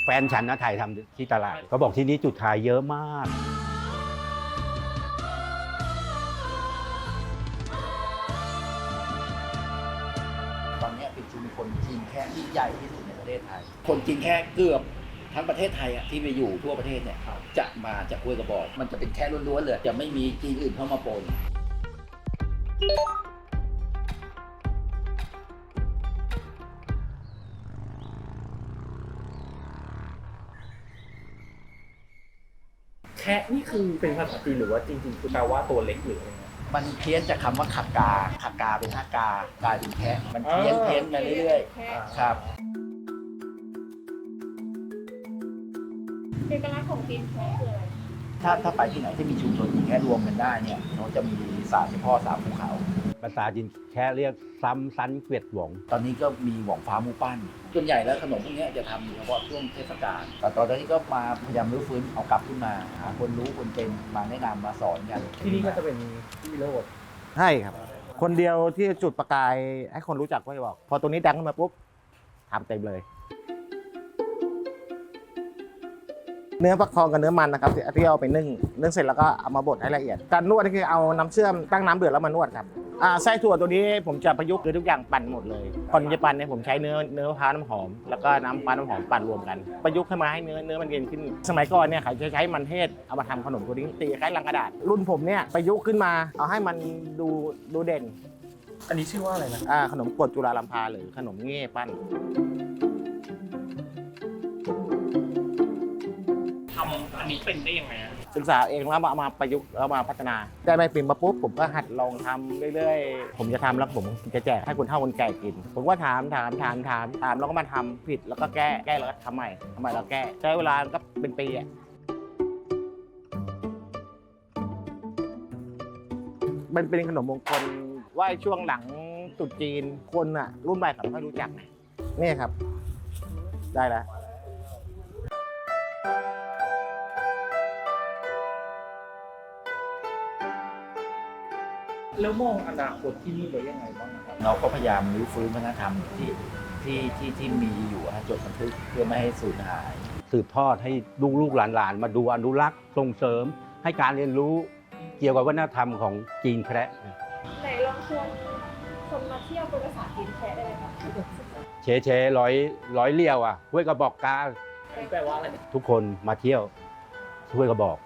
แฟนฉันนะถ่ายทำที่ตลาดเขาบอกที่นี้จุดขายเยอะมากตอนนี้เป็นชุมชนจีนแค่ที่ใหญ่ที่สุดในประเทศไทยคนจีนแค่เกือบทั้งประเทศไทยที่ไปอยู่ทั่วประเทศเนี่ยจะมาจากห้วยกระบอกมันจะเป็นแค่ล้วนๆเลยจะไม่มีจีนอื่นเข้ามาปนแคะนี่คือเป็นภาษาจีนหรือว่าจริงๆคือแปลว่าตัวเล็กหรืออะไรเงี้ยมันเพี้ยนจากคำว่าขักกาขักกาเป็นห้ากากลายเป็นแคะมันเพี้ยนมาเรื่อยๆครับเอกลักษณ์ของจีนแคะคืออะไรถ้าไปที่ไหนที่มีชุมชนจีนแคะรวมกันได้เนี่ยเขาจะมีศาสตร์เฉพาะสามภูเขาภาษาจีนแค่เรียกซ้ำซันเกวียดหวงตอนนี้ก็มีหว่องฟ้าหมูปั้นส่วนใหญ่แล้วขนมพวกนี้จะทำเฉพาะช่วงเทศกาลแต่ตอนนี้ก็มาพยายามรื้อฟื้นเอากลับขึ้นมาหาคนรู้คนเป็นมาแนะนำมาสอนกันที่นี่ก็จะเป็นที่โลดใช่ครับคนเดียวที่จุดประกายให้คนรู้จักก็จะบอกพอตรงนี้ดังขึ้นมาปุ๊บทำเต็มเลยเนื้อฟักทองกับเนื้อมันนะครับที่เอาไปนึ่งเสร็จแล้วก็เอามาบดให้ละเอียดการนวดนี่คือเอาน้ำเชื่อมตั้งน้ำเดือดแล้วมานวดครับไส้ถั่วตัวนี้ผมจะประยุกต์คือทุกอย่างปั่นหมดเลยก่อนจะปั่นเนี่ยผมใช้เนื้อมะพร้าวน้ำหอมแล้วก็น้ำปลาน้ำหอมปั่นรวมกันประยุกต์ให้มาให้เนื้อมันเย็นขึ้นสมัยก่อนเนี่ยเขาจะใช้มันเทศเอามาทำขนมตัวนี้ตีคล้ายลังกระดาษรุ่นผมเนี่ยประยุกต์ขึ้นมาเอาให้มันดูเด่นอันนี้ชื่อว่าอะไรนะขนมกรดจุฬาลัมพาหรือขนมเง่ปั้นทำอันนี้เป็นได้ยังไงศึกษาเองแล้วมาประยุกต์แล้วมาพัฒนาได้ใบปิ่มมาปุ๊บผมก็หัดลองทำเรื่อยๆผมจะทำแล้วผมจะแจกให้คนเฒ่าคนแก่กินผมก็ถามแล้วก็มาทำผิดแล้วก็แก้แล้วก็ทำใหม่แล้วแก้ใช้เวลาก็เป็นปีอ่ะมันเป็นขนมมงคลว่าช่วงหลังตรุษจีนคนอ่ะรุ่นใหม่เขาไม่ค่อยรู้จักนี่ครับได้แล้วแล้วมองอนาคตที่นี่ไว้ยังไงบ้างครับเราก็พยายามรื้อฟื้นวัฒนธรรมที่มีอยู่จดบันทึกเพื่อไม่ให้สูญหายสืบทอดให้ลูกหลานมาดูอนุรักษ์ส่งเสริมให้การเรียนรู้เกี่ยวกับวัฒนธรรมของจีนแคระไหนลองชวนคนมาเที่ยวเป็นภาษาจีนแคะได้ไหมคะเชร้อยเลี้ยวห้วยกระบอกกาแปลว่าอะไรทุกคนมาเที่ยวห้วยกระบอก